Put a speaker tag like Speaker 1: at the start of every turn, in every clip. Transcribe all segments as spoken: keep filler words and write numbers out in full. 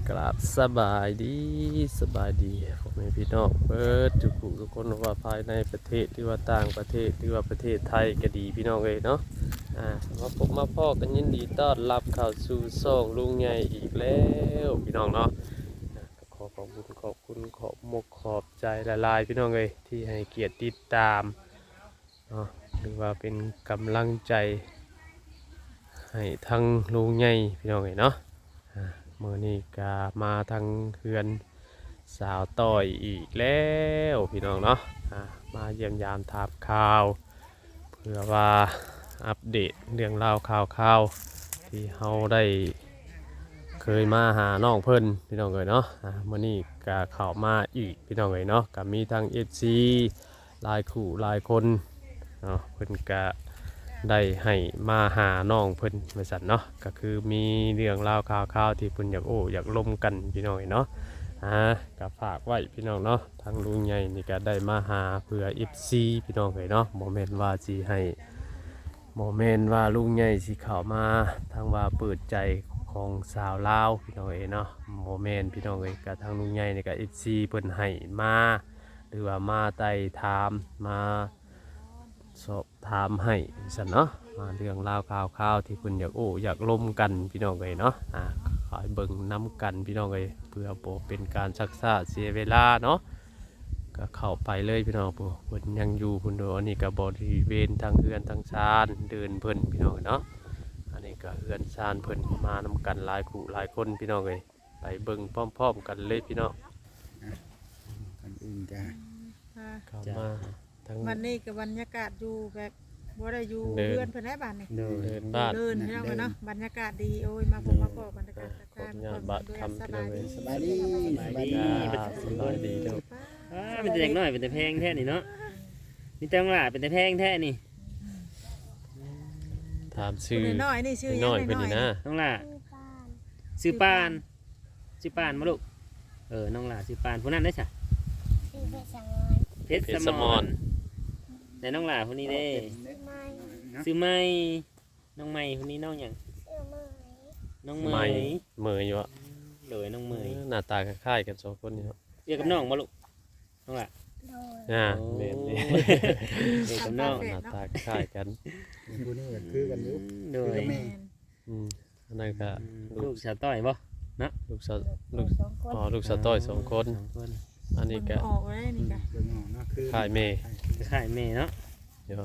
Speaker 1: กราบสบายดีสบายดีพ่อแม่พี่น้องเปิดทุกผู้ทุกคนว่าภายในประเทศหรือว่าต่างประเทศหรือว่าประเทศไทยก็ดีพี่น้องเลยเนาะอ่ามาพบมาพ่อกันยินดีต้อนรับเข้าสู่ช่องลุงใหญ่อีกแล้วพี่น้องเนาะอ่าก็ขอขอบคุณขอบคุณขอบมกขอบใจละลายพี่น้องเลยที่ให้เกียรติติดตามเนาะหรือว่าเป็นกำลังใจให้ทั้งลุงใหญ่พี่น้องเลยเนาะมื่อนี้ก็มาทางเฮือนสาวต่อยอีกแล้วพี่น้องเนาะมาเยี่ยมยามถามข่าวเพื่อว่าอัปเดตเรื่องราวข่าวข่าวที่เราได้เคยมาหาน้องเพิ่นพี่น้องเลยเนาะมื่อนี้ก็เข้ามาอีกพี่น้องเลยเนาะก็มีทางเอฟซีหลายคู่หลายคนเนาะเพิ่นก็ได้ให้มาหาน้องเพิ่นบริษัทเนาะก็คือมีเรื่องราวข่าวๆที่เพิ่นอยากโอ้อยากล้มกันพี่น้องเนาะอ่าก็ฝากไว้พี่น้องเนาะทางลุงใหญ่นี่ก็ได้มาหาเพื่อ เอฟ ซี พี่น้องเลยเนาะโมเมนต์ว่าสิให้โมเมนต์ว่าลุงใหญ่สิเข้ามาทางว่าเปิดใจของสาวลาวพี่น้องเอ๋เนาะโมเมนต์พี่น้องเอ๋กับทางลุงใหญ่นี่ก็ เอฟ ซี เพิ่นให้มาหรือว่ามาไต่ถามมาสอบถามให้สันเนาะมาเรื่องราวข่าวข่าวที่คุณอยากโอ้อยากล้มกันพี่น้องเลยเนาะอ่าขอให้เบิ่งน้ำกันพี่น้องเลยเพื่อโปเป็นการซักษาเสียเวลาเนาะก็เข้าไปเลยพี่น้องโปเพิ่นยังอยู่พุ่นโดอันนี้ก็บริเวณทางเฮือนทางชานเดินเพิ่นพี่น้องเนาะอันนี้ก็เฮือนชานเพิ่นมานำกันหลายคู่หลายคนพี่น้องเลยไปเบิ่งพร้อมๆกันเลยพี่น้อง
Speaker 2: กันอื่นจ้ะ
Speaker 1: เข้ามา
Speaker 3: วันนี้กับบรรยากาศอยู่แบบบ่ได้อยู่เรือนเพิ่นได้บ้านนี่
Speaker 1: เดินบ้าน
Speaker 3: เดินพี่น้องเนาะบรรยากาศดีโอ้ยมาพบมาพบบรรยากาศการบ้านสบายดี
Speaker 2: สบายดีสบายดี
Speaker 1: สบายดีเด้อ
Speaker 4: อ่าเป็นแต่เด็กน้อยเป็นแต่แพงแท้นี่เนาะมีแต่งหล่าเป็นแต่แพงแท้นี่
Speaker 1: ถามชื่อ
Speaker 3: น้อยนี่ชื่อยัง
Speaker 1: น้อยเพิ่นนี่นะ
Speaker 4: น้องหล่าชื่อปานชื่อปานมาลูกเออน้องหล่าชื่อปานผู้นั้นได้จ้ะเพชรสมรแต่น้องหล่าคนนี้เด้ซื้อไม้น้องไม้คนนี้น้องอย่างน้องเมย
Speaker 1: เมยอยู่อ่ะ
Speaker 4: เลยน้องเมย
Speaker 1: หน้าตาคล้ายๆกันสองคนนี่เนาะ
Speaker 4: เรียกกับน้องมาลูกน้องหล่า
Speaker 1: อ่าเมนนี่
Speaker 4: เรียกกับน้อง
Speaker 1: หน้าตาคล้ายกัน
Speaker 2: ผู้นี้ก็คือกันอยู่
Speaker 4: โดย
Speaker 1: อืมอันนั้นก็
Speaker 4: ลูกสาวต้อยบ่นะ
Speaker 1: ลูกสาวลูกอ๋อลูกสาวต้อยสองคนอันนี้ก็
Speaker 3: ออกได้นี่ก็
Speaker 2: เบิ่งออกเนาะคือ
Speaker 1: คล้ายเมย์
Speaker 4: คล้ายเมย์เนาะ
Speaker 1: เดี๋ยว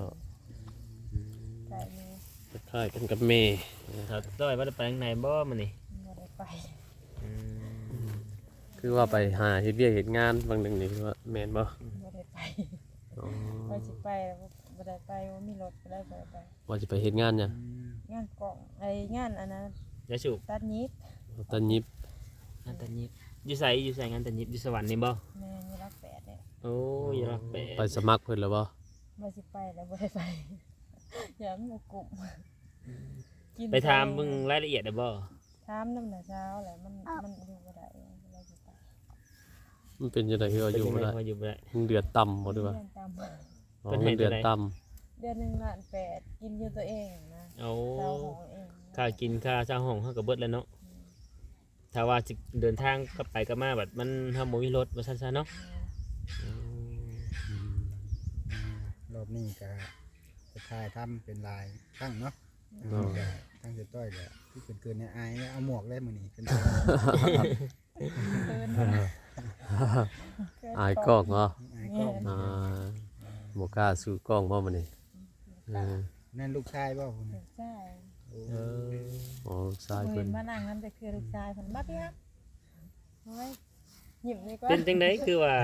Speaker 1: คล้ายกันกับเมย์
Speaker 4: สาวต้อยว่าจะไปทางไหนบ่มันนี่
Speaker 3: บ่ได้ไป
Speaker 1: คือว่าไปหาเฮ็ดเวียกเฮ็ดงานบางหนึ่งนี่คือว่าแม่นบ่
Speaker 3: บ่ได้ไปไปสิไปบ่ได้ไปว่ามีรถบ่ได้บ่ได้ไป
Speaker 1: ว่าสิไปเฮ็ดงานหยัง
Speaker 3: งานกล่องไอ้งานอันนั้น
Speaker 4: ยาสูบ
Speaker 3: ตัดยิบ
Speaker 1: ตัดยิบ
Speaker 4: งานตัดยิบอยู่ไสอยู่ไสงานตัดยิบอยู่สวรรค์นี่บ่
Speaker 3: แม่อยู่รักแปดเนี่ย
Speaker 4: โอ้ยรักแปด
Speaker 1: ไปสมัครเพิ่นแล้วบ่
Speaker 3: บ่สิไปแล้วบ่ได้ไปอย่ามันบ่กลุ่ม
Speaker 4: ไปถามมึงรายละเอียดได้บ่
Speaker 3: ถามนำแต่เช้าแหละมันมันอยู่บ่ได้บ่สิไป
Speaker 1: มันเป็นจังได๋คืออยู่บ่ได้
Speaker 4: อยู่บ่ได้
Speaker 1: เดือดต่ำบ่ด้วยว่าเป็นเดือดต่
Speaker 3: ำเดือนหนึ่งล้านแปดกินอยู่ตัวเองนะ
Speaker 4: เอาค่ากินค่าเช่าห้องเฮาก็เบิดแล้วเนาะถ้าว่าสิเดินทางกลับไปกลับมาแบบมันเฮาบ่มีรถว่าซั่นๆเนาะ
Speaker 2: รอบนี้ก็จะถ่ายทำเป็นลายตั้งเนาะตั้งจะต้อยก็ที่เกินๆเนี่ยอายเอาหมวกได้มื้อนี้เกิน
Speaker 1: อายกล้องเหรออ่าบ่กล้าสู้กล้องบ่มื้อนี้
Speaker 2: นั่นลูกชายบ่พุ่น
Speaker 3: ลูกชาย
Speaker 1: เอออ๋อลูกชายเพิ่น
Speaker 3: มานั่งนำแต่คือลูกชายเพิ่นบัดพี่ครับโอ้ยยิ้มดีกว่า
Speaker 4: เป็นจังได๋คือว่า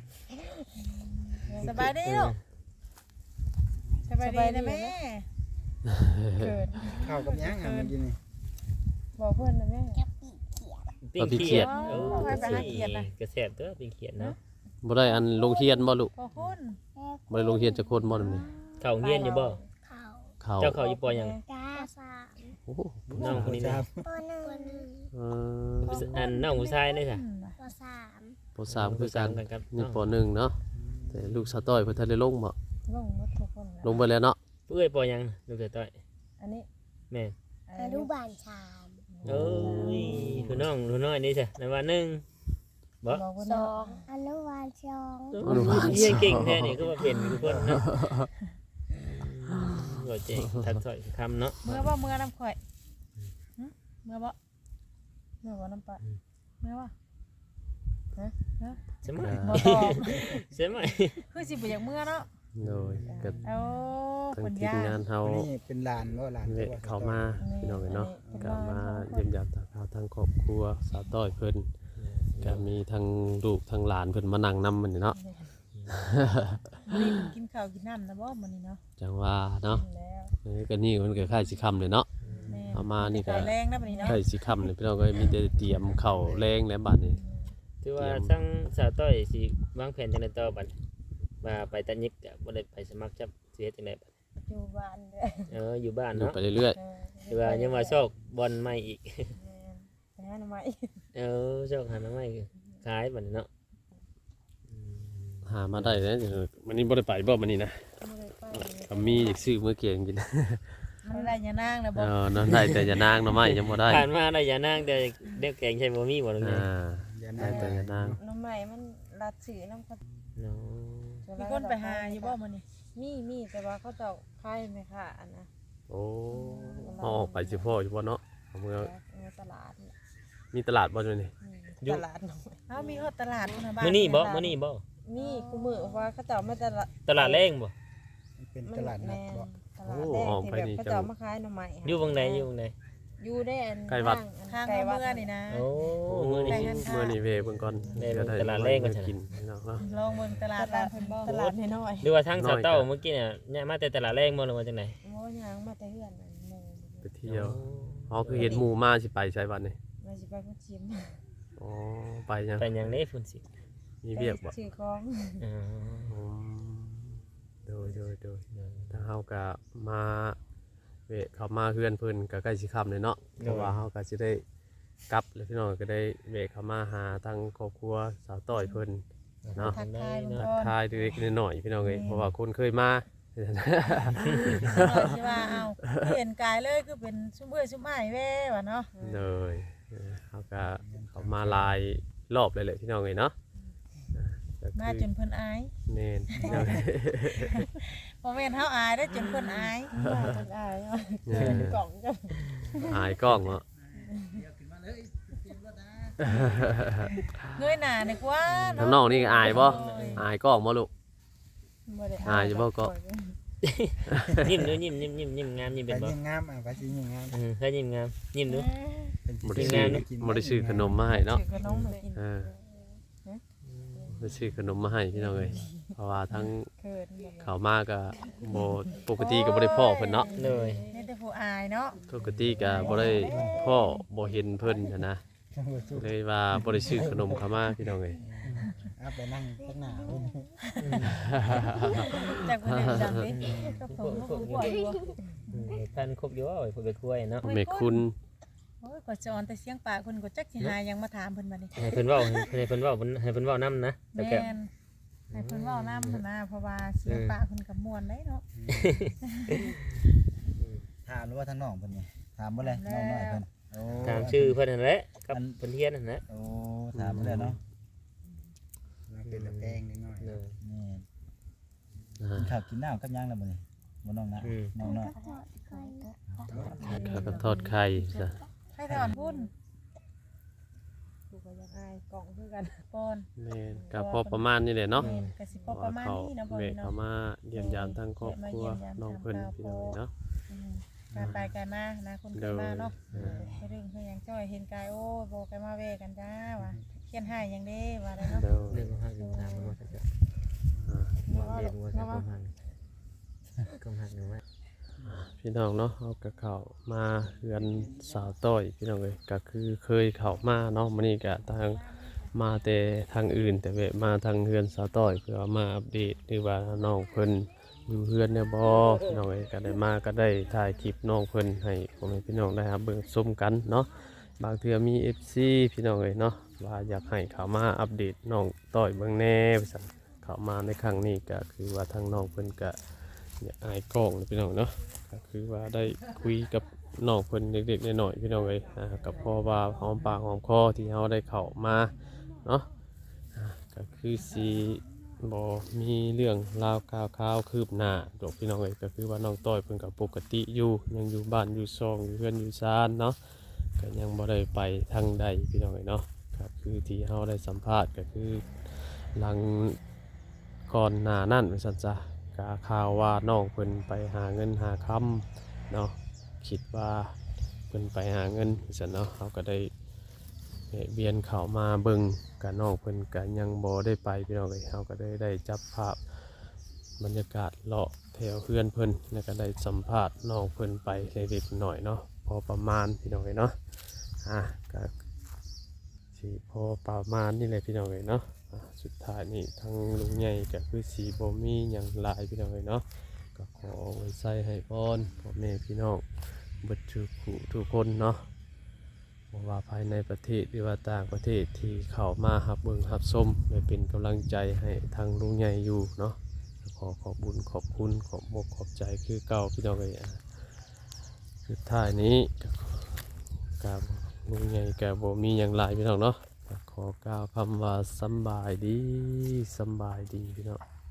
Speaker 3: สบายดีลูกสบายดีนะแม่เกิด
Speaker 2: ข้าวกับยังอ่ะมันกินนี่
Speaker 3: บอกเพื่อนนะแม่
Speaker 4: ปิ้งเขียดโอ้ยไปหาเขียดนะกระแสบตัวปิ้งเขียดเนาะ
Speaker 1: บ่ได้อันลงเฮียนบ่ลูก
Speaker 3: บ่คน
Speaker 1: บ่ได้ลงเฮียนจักคนบ่นำนี่
Speaker 4: เข้าเฮียนอยู่บ่
Speaker 1: เข้า
Speaker 4: เจ้าเข้าอยู่ปอหยัง
Speaker 3: สาม
Speaker 1: โอ้
Speaker 4: น้องคนนี้นะ
Speaker 3: ปหนึ่ง
Speaker 4: เอออันน้องผู้ชายนี่จ้ะ
Speaker 3: ปสาม
Speaker 1: ปสามคือกันนี่ปหนึ่งเนาะแต่ลูกสาวต้อยเพิ่นทันได้ลงบ่
Speaker 3: ลงหมดทุกคน
Speaker 1: ลงไปแล้วเนาะ
Speaker 4: เอ้ยปอหยังลูกสาวต้อย
Speaker 3: อันนี้
Speaker 4: แม่
Speaker 3: อนุบาลสาม
Speaker 4: เอ้ยคุณน้องคุณน้อยนี่จ้ะในวันหนึงบ่
Speaker 3: บอกว่า
Speaker 5: ส
Speaker 3: เนาะ
Speaker 5: องอนุบาลสอง
Speaker 1: อนุบาล
Speaker 4: เรียนเก่ง
Speaker 1: สอง
Speaker 4: แท้นี่ก็มาเป็นทุกคนเนาะก็เจ๋งทักถ้อยคำเนาะ
Speaker 3: เมื่อบ่เมื่อน้ำข่อยหึเมื่อบ่เมื่อบ่น้ำปลาเมื่อบ่ฮะฮะ
Speaker 4: ใช่ไหม
Speaker 3: บ่ตอบ
Speaker 4: ใช่ไหม
Speaker 3: คือสิบ่อยากเมื่อเนาะ
Speaker 1: โดยก็
Speaker 3: เอา
Speaker 1: ทาง
Speaker 3: คน
Speaker 1: ทีม
Speaker 3: ยาก
Speaker 1: งานเฮา
Speaker 2: วันนี้เป็นลานบ่ลาน
Speaker 1: เวะ
Speaker 2: ตัว
Speaker 1: เข้ามาพี่น้องเอ้ยเนาะก็มาเยี่ยมยามทางเขาทางครอบครัวสาวต้อยเพิ่นก็มีทั้งลูกทั้งหลานเพิ่นมานั่งนำมันนี่เนาะ
Speaker 3: มื้อนี้กินข้าวกินน้ำนะบ่มื้อนี้เนาะ
Speaker 1: จังว่าเนาะ
Speaker 3: กินแล้ว
Speaker 1: เออก็นี่มันก็คล้ายสิค่ำเลยเนาะ
Speaker 3: แม่
Speaker 1: เอามานี่ก็
Speaker 3: ไก่แรงนะมื้อนี้เนาะ
Speaker 1: คล้ายสิค่ำเลยพี่น้องก็มีแต่เตรียมข้าวแรงแล้วบัดนี้
Speaker 4: ถือว่าทั้งสาวต้อยสิวางแผนจังได๋ต่อบัดมาไปตัดยิกก็บ่ได้ไปสมัครจับสิเฮ็ดจังได๋บัด
Speaker 3: อยู่บ้านเด้อ
Speaker 4: เอออยู่บ้าน
Speaker 1: อยู่
Speaker 4: เนาะ
Speaker 1: ไปเรื่อย
Speaker 3: เออ
Speaker 4: หรือว่ายังว่าโชคบอลใหม่อีก
Speaker 3: แม่ไปหาหน่อไม้
Speaker 4: เออโชคหาหน่อไม้ขายบัดนี้เนาะ
Speaker 1: ๆหามาได้แล้วเดี๋ยววันนี้บ่ได้ไปบ่มื้อนี้นะ
Speaker 3: บ่ได้ไป
Speaker 1: ก็มีอยากซื้อมื้อเกียงกิน
Speaker 3: มันได้ยานางนะ
Speaker 1: เอ
Speaker 3: บ่
Speaker 1: อนั่นได้แต่อย่านางเนาะไม่ยังบ่ได้
Speaker 4: ผ่านมาได้อย่านั่งเดี๋ยวเดี๋ยวแกงใช่บ่มีบ่ตรงนี้
Speaker 1: อ่า
Speaker 2: อย่า
Speaker 1: ได้
Speaker 2: นั่ง
Speaker 1: แต่อย่านาง
Speaker 5: น้ำใหม่มันรัดสื่อน้ำเขา
Speaker 4: เนาะ
Speaker 3: มีคนไปหาอยู่บ่มื้อนี้
Speaker 5: มีมีแต่ว่าเขาเจ้าค่ายไหมค่ะอันนะ
Speaker 1: โอ้เอาออกไปสิพ่ออยู่บ่เนาะเอามือ
Speaker 5: ในตลาดน่ะ
Speaker 1: มีตลาดบ่อยู่นี่
Speaker 5: อืมตลาดน้อย
Speaker 3: เอ้ามีฮอดตลาดพุ่นน่ะบ้าน
Speaker 4: มื้อนี้บ่มื้อนี้บ่
Speaker 5: มีกูมือว่าเขาเจ้าไม่ตลาด
Speaker 4: ตลาดแรงบ่
Speaker 2: มันเป็นตลาดนัดบ่
Speaker 5: ตลาดแรกที่แบบเขาเจ้ามาขายหน่อไม้
Speaker 4: อยู่บังใดอยู่บังใด
Speaker 5: อยู่ได้อัน
Speaker 3: ทาง
Speaker 5: ไกล
Speaker 3: เมื่
Speaker 5: วัด
Speaker 3: อนี่นะ
Speaker 4: โอ้มื้อ
Speaker 3: ไป
Speaker 4: นี้
Speaker 3: หัน
Speaker 1: มื้อนี้เวเบิ่งก่อน
Speaker 4: ได้
Speaker 1: เดี๋ยว
Speaker 4: ตลาดแรงก่อน
Speaker 1: เดี๋ยว
Speaker 4: จ้ะ
Speaker 1: กินพี่น้องเนาะ
Speaker 3: ลองเบิ่งตลาดบ้านเพิ่นบ่
Speaker 5: ตลาดน้อย
Speaker 4: หรือว่าทางสาวเต้า
Speaker 1: น้อยจ้ะ
Speaker 4: เมื่อกี้เนี่ยเนี่ยมาแต่ตลาดแรงบ่หรือว่าจังได๋
Speaker 5: ๆโอ้ยางมาแต่เฮือนนั่นหมู่
Speaker 1: ไปเที่ยวอ๋อคือเห็นหมู่มาสิไปใช้วันนี้
Speaker 5: มาสิไปพุ่นชิม
Speaker 1: อ๋อไปยัง
Speaker 4: ไปหยังเด้พุ่นสิ
Speaker 1: มีเวียกบ่
Speaker 5: ซื้อของ
Speaker 4: อ๋อ
Speaker 1: อืมโดยโดยโดยถ้าเฮาก็มาเวะเข้ามาเฮือนเพิ่นก็ใกล้สิค่ำเลยเนาะเพราะว่าเฮาก็สิได้กลับแล้วพี่น้องก็ได้เวะเข้ามาหาทางครอบครัวสาวต้อยเพิ่น เนาะ
Speaker 3: ทักทายเบิ่ง
Speaker 1: ทัก
Speaker 3: ก่อน
Speaker 1: ทายเล็กๆน้อยๆพี่น้องเอ้ยเพราะว่าคนเคยมา
Speaker 3: หน่อยสิว่าเอ้าเห็นกายเลยคือเป็นซุมเอ้ยซุมอ้ายแว่ว่าเนาะ
Speaker 1: เลยเออเขาก็เขามาหลายรอบเลยแหละพี่น้องเอ้ยเนาะอ่าก็คือ
Speaker 3: มาจนเพิ่นอาย
Speaker 1: เน่นพี่น้องเอ้ย
Speaker 3: บ่แม่นเฮาอายได้อจนเพิ่นอาย
Speaker 5: มาจังอาย
Speaker 1: เออก
Speaker 5: ล่องจ้ะ
Speaker 1: อายกล้องเนาะ
Speaker 3: เงยหน้าดีกว่าเนาะ
Speaker 1: ทางน้องนี่อายบ่อายกล้องบ่ลูก
Speaker 5: บ่ได้
Speaker 1: อายอยู่บ่ก็
Speaker 4: ยิ้มดูยิ้มยิ้มยิ้มยิ้มงามยิ้ม
Speaker 2: ไป
Speaker 4: เป็นบ่
Speaker 2: ยิ่งงามอ่ะไปสิยิ่งงาม
Speaker 4: เออเคยยิ้มงามยิ้มดู
Speaker 2: เป็น
Speaker 1: บ่
Speaker 2: สิ
Speaker 1: ได้
Speaker 2: ยิ่ง
Speaker 1: ซื้อง
Speaker 2: าม
Speaker 1: บ่ได้ซื้อขนมมาให้เนาะ
Speaker 3: ซื้อขนมมากิน
Speaker 1: เออบ่ได้ซื้อขนมมาให้พี่น้องเอ้ยเพราะว่าทั้ง
Speaker 3: เขินบ่
Speaker 1: เขามาก็บ่ปกติก็บ่ได้พ้อเพิ่นเนาะ
Speaker 4: เลย
Speaker 3: นี่แต่ผู้อายเนาะ
Speaker 1: ปกติก็บ่ได้พ้อบ่เห็นเพิ่นหั้นนะเลยว่าบ่ได้ซื้อขนมเข้ามาพี่น้องเอ้ย
Speaker 2: เอาไปนั่งข้างหน้าเพิ่น
Speaker 3: จากเพิ่นได้จังดิก็ผมก็บ่อยู่
Speaker 4: ท่านครบอยู่ว่าเพิ่นไปคุยเนาะ
Speaker 1: แม่คุณ
Speaker 3: โอ้ยก็จะออนแต่เสียงปากเพิ่นก็จักสิหาหยังมาถามเพิ่นบัดนี้
Speaker 4: ให้เพิ่นเว้าให้เพิ่นเว้าให้เพิ่นเว้านำนะแต่
Speaker 3: แม่
Speaker 4: ก็
Speaker 3: นให้เพิ่นเว้านำหั่นนะเพราะว่าเสียงปากเพิ่นก็ม่วนได้เนาะ
Speaker 2: ถามหรือว่าทางน้องเพิ่นนี่ถามบ่เลยน้องน้อยเพิ่นโอ้
Speaker 4: ตามชื่อเพิ่นนั่นแหละกับเพิ่นเฮียนนั่นแหละ
Speaker 2: โอ้ถามบ่เลยเนาะมาเป็นตะแกงนิดหน่อย
Speaker 4: เออ
Speaker 2: นี่
Speaker 1: อ่า
Speaker 2: กินข้าวกินน้ำกับยังแล้วบ่นี่บ่น้องนะ
Speaker 4: อืม
Speaker 2: น้องน้อย
Speaker 1: ข้าวกับทอดไข่จ้ะ
Speaker 3: ให้ถอนพุ่น
Speaker 5: กูก็ยังอายกล่องคือกัน
Speaker 3: ปอน
Speaker 1: แม่นก็พอประมาณนี้แหละเนาะ
Speaker 3: แม่นก็สิพอประมาณนี้เนาะบ่
Speaker 1: เว
Speaker 3: นี่
Speaker 1: ก
Speaker 3: เนาะ
Speaker 1: เขามาเยี่ยมยามทั้งครอบครัวน้องเพิ่นพี่น้องเนาะ
Speaker 3: อืมการไปไกลมานะคนเคยมาเนาะไปเรื่องเฮาหยังจ้อยเห็นกายโอ้บ่ไกลมาเวกันจ้าว่าเขียนให้หยังเด้ว่าได้เนาะ
Speaker 1: เดี๋ยว
Speaker 4: เรื่องของหักเรื่องตามมันว่าซั่นจ้ะ
Speaker 1: อ่า
Speaker 4: ว่าเรียนว่าซั่นของหักของหักหนูว่า
Speaker 1: พี่น้องเนาะเอากระเข้ามาเฮือนสาวต้อยพี่น้องเอ้ยก็คือเคยเข้ามาเนาะมื้อนี้ก็ทางมาแต่ทางอื่น แต่แวะมาทางเฮือนสาวต้อยเพื่อมาอัปเดตหรือว่าน้องเพิ่นอยู่เฮือนเนี่ยบ่พี่น้องเอ้ยก็ได้มาก็ได้ถ่ายคลิปน้องเพิ่นให้พ่อแม่พี่น้องได้รับเบิ่งชมกันเนาะบางเทื่อมี เอฟ ซี พี่น้องเอ้ยเนาะว่าอยากให้เข้ามาอัปเดตน้องต้อยเบิ่งแหน่ว่าซั่นเข้ามาในครั้งนี้ก็คือว่าทางน้องเพิ่นก็อยากอายกล้องนะพี่น้องเนาะก็คือว่าได้คุยกับน้องเพิ่นเด็กๆน้อยๆพี่น้องเอ้ยอ่ากับพ่อว่าหอมปากหอมคอที่เฮาได้เข้ามาเนาะอ่าก็คือสิบ่มีเรื่องราวข่าวข่าวคืบหน้าดอกพี่น้องเอ้ยก็คือว่าน้องต้อยเพิ่นก็ปกติอยู่ยังอยู่บ้านอยู่ช่องอยู่เรือนอยู่ศาลเนาะก็ยังบ่ได้ไปทางใดพี่น้องเอ้ยเนาะก็คือที่เฮาได้สัมภาษณ์ก็คือหลังก่อนหน้านั้นว่าซั่นจ้ะก็ข่าวว่าน้องเพิ่นไปหาเงินหาคำเนาะ คิดว่าเพิ่นไปหาเงินซั่นเนาะเขาก็ได้แวะเวียนเข้ามาเบิ่งกับน้องเพิ่นก็ยังบ่ได้ไปพี่น้องเอ้ยเขาก็ได้ได้จับภาพบรรยากาศเลาะแถวเพื่อนเพิ่นแล้วก็ได้สัมภาษณ์น้องเพิ่นไปเล็กๆหน่อยเนาะพอประมาณพี่น้องเอ้ยเนาะอ่ะก็สิพอประมาณนี่แหละพี่น้องเอ้ยเนาะอ่ะสุดท้ายนี่ทั้งลุงใหญ่ก็คือสีบ่มีหยังหลายพี่น้องเอ้ยเนาะก็ขอไว้ใส่ให้พรพ่อแม่พี่น้องเบิดทุกผู้ทุกคนเนาะบ่ว่าภายในประเทศหรือว่าต่างประเทศที่เข้ามารับเบิ่งรับชมได้เป็นกำลังใจให้ทางลุงใหญ่อยู่เนาะขอขอบบุญขอบคุณขอบอกขอบใจคือเก่าพี่น้องเอ้ยอ่ะสุดท้ายนี้ก็กับลุงใหญ่ก็บ่มีหยังหลายพี่น้องเนาะก็ขอกล่าวคำว่าสำบายดีสำบายดีพี่น้อง